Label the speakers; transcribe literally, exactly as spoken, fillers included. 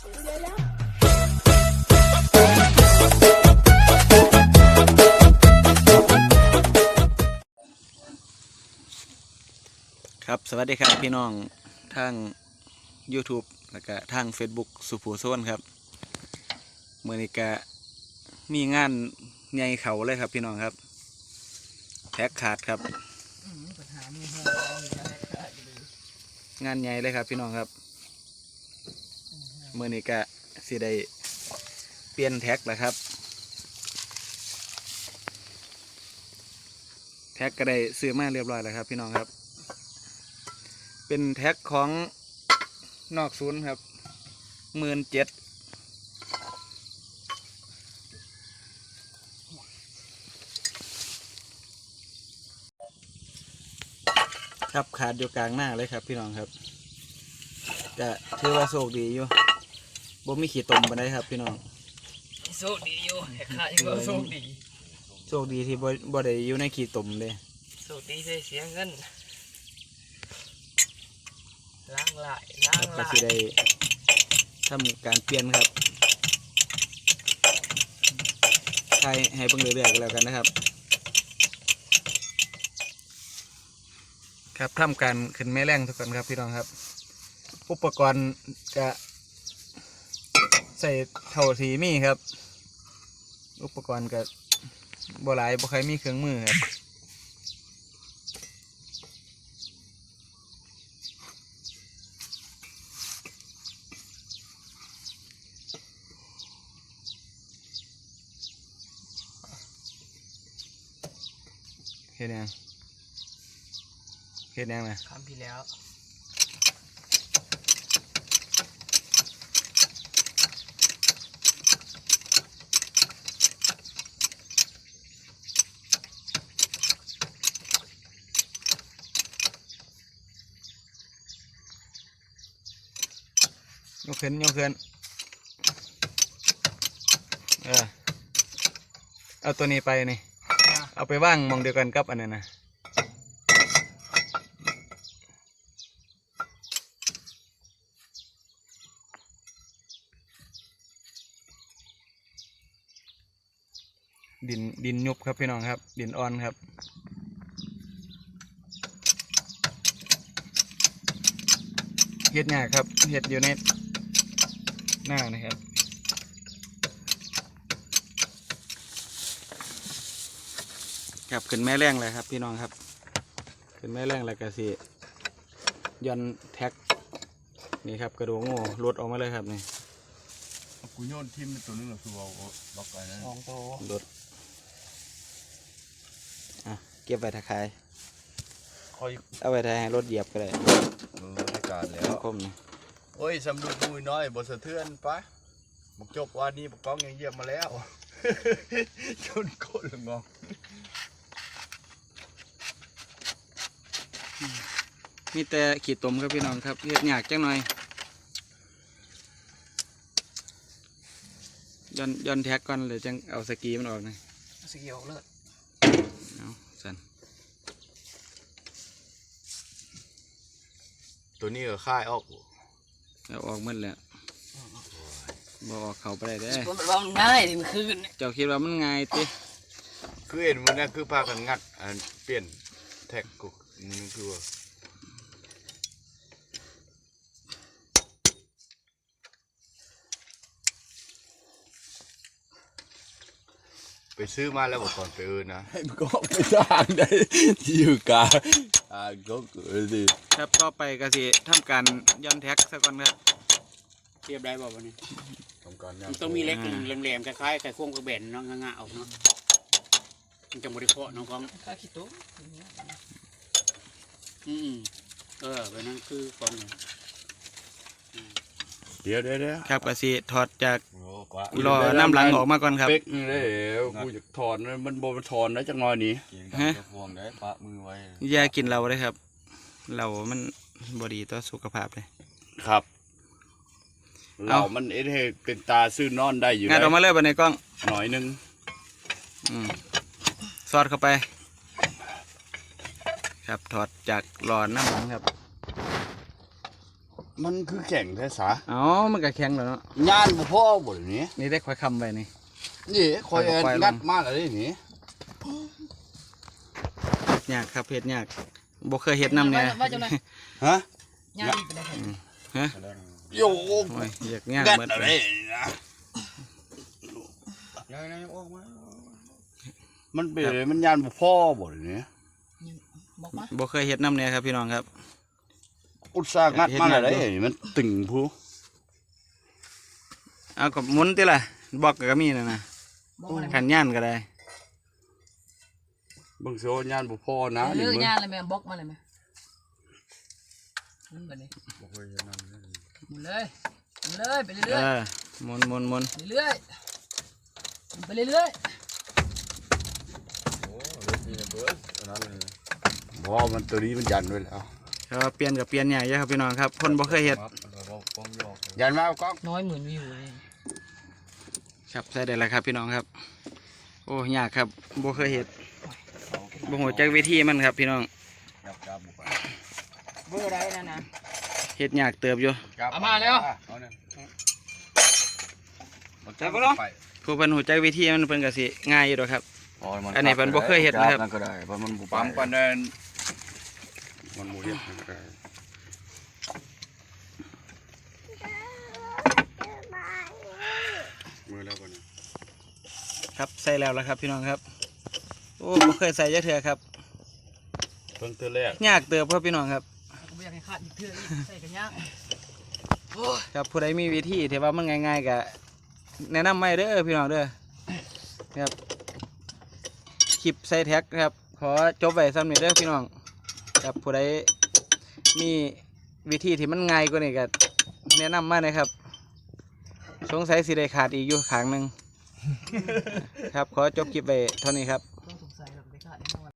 Speaker 1: ครับสวัสดีครับพี่น้องทาง YouTube แล้วก็ทาง Facebook สุภูโซนครับเมื่อนี้ก็มีงานใหญ่เขาเลยครับพี่น้องครับแท็กขาดครับงานใหญ่เลยครับพี่น้องครับเมื่อนี้ก็สิได้เปลี่ยนแท็กแล้วครับแท็กก็ได้ซื้อมาเรียบร้อยแล้วครับพี่น้องครับเป็นแท็กของนอกศูนย์ครับหมื่นเจ็ดครับขาดอยู่กลางหน้าเลยครับพี่น้องครับจะถือว่าโชคดีอยู่บ่มีขี้ตมไปได้ครับพี่น้อง
Speaker 2: โชคดีอยู่แท็กขาดอยู่โชคดี
Speaker 1: โชคดีที่บ่บ่ได้อยู่ในขี้ตมเลย
Speaker 2: โชคดีได้เสียเงินล้างลายล้างลาย
Speaker 1: ก็สิได้ทำการเปลี่ยนครับใครให้เบิ่งเรื่อยๆกันแล้วกันนะครับครับทำการขึ้นแม่แรงทุกคนครับพี่น้องครับอุปกรณ์จะใส่เท่าทีมีครับอุปกรณ์ก็บ่หลายบ่ใครมีเครื่องมือครับเห็นยังเห็นยังนะ
Speaker 2: ทำพี่แล้ว
Speaker 1: ยกขึ้นยกขึ้นเออเอาตัวนี้ไปนี่เอาไปว่างมองเดียวกันกับอันนั้นนะดินดินยุบครับพี่น้องครับดินอ่อนครับเห็ดหยาครับเห็ดอยู่ในหน้านะครับครับขึ้นแม่แรงเลยครับพี่น้องครับขึ้นแม่แรงเลยกระสีย้อนแท็กนี่ครับกระดูกงูหลุดออกมาเลยครับนี่
Speaker 3: กูโยนทิมตัวนึงหรอคือเอาล็อกไปนะ
Speaker 2: มองโต
Speaker 1: หลุดอ่ะเก็บไว้ถ้าใคร
Speaker 3: คอย
Speaker 1: เอาไว้ถ้าให้รถเหยียบก็ได้
Speaker 3: เออได้การแล้ว
Speaker 1: คมนี่
Speaker 3: โอ้ยสำดูมุยน้อยบทสะเทือนปะบอกจบวันนี้บอกก้องยังเยี่ยมมาแล้วจนโคตรงง
Speaker 1: มีแต่ขีดตมครับพี่น้องครับเห็ดหยากจังหน่อยย้อนย้อนแท็กก่อนเลยจังเอาสกีมันออกนะ
Speaker 2: สกีออกเลย
Speaker 1: เอาสั่น
Speaker 3: ตัวนี้ก็ค่ายออก
Speaker 1: เอาออกมันแล้วบออกเขาไปได้เด้อ
Speaker 2: มันว่ามันง่ายดิมันคือ
Speaker 1: เจ้าคิดว่ามันง่ายติ
Speaker 3: คือเห็นมันนี่คือพากันงัดอันเปลี่ยนแท็กกุกนี่คือว่าไปซื้อมาแล้วบอกก่อนไปเออนะให้มันก็ไม่ทางได้ที่อยู่กลางอ่าก็เกิดสิ
Speaker 1: ครับต่อไปก็สิทำการย้อนแท็กสักก่อนครับ
Speaker 2: เรียบได้บ่วันนี้
Speaker 3: ทำการ
Speaker 2: มันต้องมีเล็กแหลมๆคล้ายๆไข่โค้งกระเบนเนาะง่าๆออกเนาะมันจะบริโภคน้องของข้าขี้ตุ๊กอืมเออไปนั่นคือของ
Speaker 3: เดี๋ยวเดี๋ยว
Speaker 1: ครับก็สิถอดจากรอน้ำหลังออกมาก่อนครับ
Speaker 3: เป๊กนี่เลยกูจะถอนมันโบมันถอนได้จังน้อยนี้
Speaker 1: ฮะ
Speaker 3: พวงได้ปะมือไว้
Speaker 1: อย่ากินเราเลยครับเรามันบดีต่อสุขภาพเลย
Speaker 3: ครับเรามันเอเทเป็นตาซื่อนอนได้อยู่
Speaker 1: งานออกมาเลยบนในกล้อง
Speaker 3: หน่อยนึง
Speaker 1: อืมซอดเข้าไปครับถอดจากหลอดน้ำหลังครับ
Speaker 3: มันคือแข่งแท้สา
Speaker 1: อ๋อมันก็แข็งแล้วเนาะ
Speaker 3: งานบ่พอบ่เดี๋ยวนี้
Speaker 1: นี่ได้ค่อยคำไว้นี่
Speaker 3: นี่คอย
Speaker 1: ไปลง
Speaker 3: งัดมาแล้วนี่
Speaker 1: ยากครับเฮ็ดยากบ่เคยเฮ็ดนำเนี่ย
Speaker 4: ว่าจังได๋
Speaker 3: ฮะ
Speaker 4: ย่างไปเลย
Speaker 1: ฮะ
Speaker 3: โย
Speaker 1: โอ้ยอยากยาก
Speaker 3: งัด
Speaker 1: เบิด
Speaker 3: อะไร
Speaker 1: เลย
Speaker 3: นะมันเป็นมันยานบ่พอบ่เดี๋ยวนี้
Speaker 4: บอกมา
Speaker 1: บ่เคยเฮ็ดนำเนี่ยครับพี่น้องครับ
Speaker 3: อุตส่าห์งัดมาแล้วได้มันตึงผู้
Speaker 1: เอาก็หมุนติล่ะบอกก็มีนั่นน่ะ
Speaker 4: บอกมาเลย
Speaker 1: ขันย่านก็ได้
Speaker 3: เบิ่งโซยานบ่พอนะ
Speaker 4: เลื
Speaker 3: นี่
Speaker 4: อก
Speaker 3: มึง
Speaker 4: ย่างเลยแม่บอกมาเลยแม่มันแบบนี้
Speaker 3: บ่เคยเห็นนั่นเลย
Speaker 4: หมุนเลยหมุนเลยไป
Speaker 1: เอ
Speaker 4: เรื่อย
Speaker 1: อหมุนหมุนหมุน
Speaker 4: ๆเรื่อยๆไปเรื่อย
Speaker 3: บ่มันตัวนี้มันยันไว้แล้ว
Speaker 1: ก็เปลี่ยนกับเปลี่ยนใหญ่เยอะครับพี่น้องครับคนบ่เคยเฮ็ด
Speaker 3: ยันมาเอากล้อง
Speaker 4: ๆน้อยหมื่นวิวเลย
Speaker 1: ครับใส่ได้แล้วครับพี่น้องครับ โอ้ยากครับบ่เคยเฮ็ดบ่ฮู้จักวิธีมันครับพี่น้อง
Speaker 4: เบอร์ได้นะนะ
Speaker 1: เฮ็ดยากเติบอยู่
Speaker 4: เอามาแล้ว
Speaker 3: จับบ่ลง
Speaker 1: ผู้เพิ่นฮู้จักวิธีมันเพิ่นก็สิง่ายอยู่ดอกครับ อันนี้เพิ่นบ่เคยเฮ็ดนะครับ
Speaker 3: นั่นก็ได้เพราะมันบ่ปั๊มปานนั้นมันบ่เฮ็ดนั่นก็ได้มือแล้วบ่นี่
Speaker 1: ครับใส่แล้วแล้วครับพี่น้องครับ โอ้บ่เคยใส่จักเทื่อครับ
Speaker 3: เพิ่งเทื่อแรก
Speaker 1: ยากเติบครับพี่น้องครับ
Speaker 4: ก็ไม่อยากให้ขาดอีกเทื่ออีกใส่กันย่าง
Speaker 1: ครับผู้ใดมีวิธีที่ว่ามันง่ายๆก็แนะนำไม่เด้อพี่น้องเด้อครับคลิปใส่แท็กครับขอจบไว้ซ้ำนี้เด้อพี่น้องครับผู้ใดมีวิธีที่มันง่ายกว่านี้ก็แนะนำมาเลยครับสงสัยสิได้ขาดอีกอยู่ขางหนึ่งครับขอจบคลิปไว้เท่านี้ครับ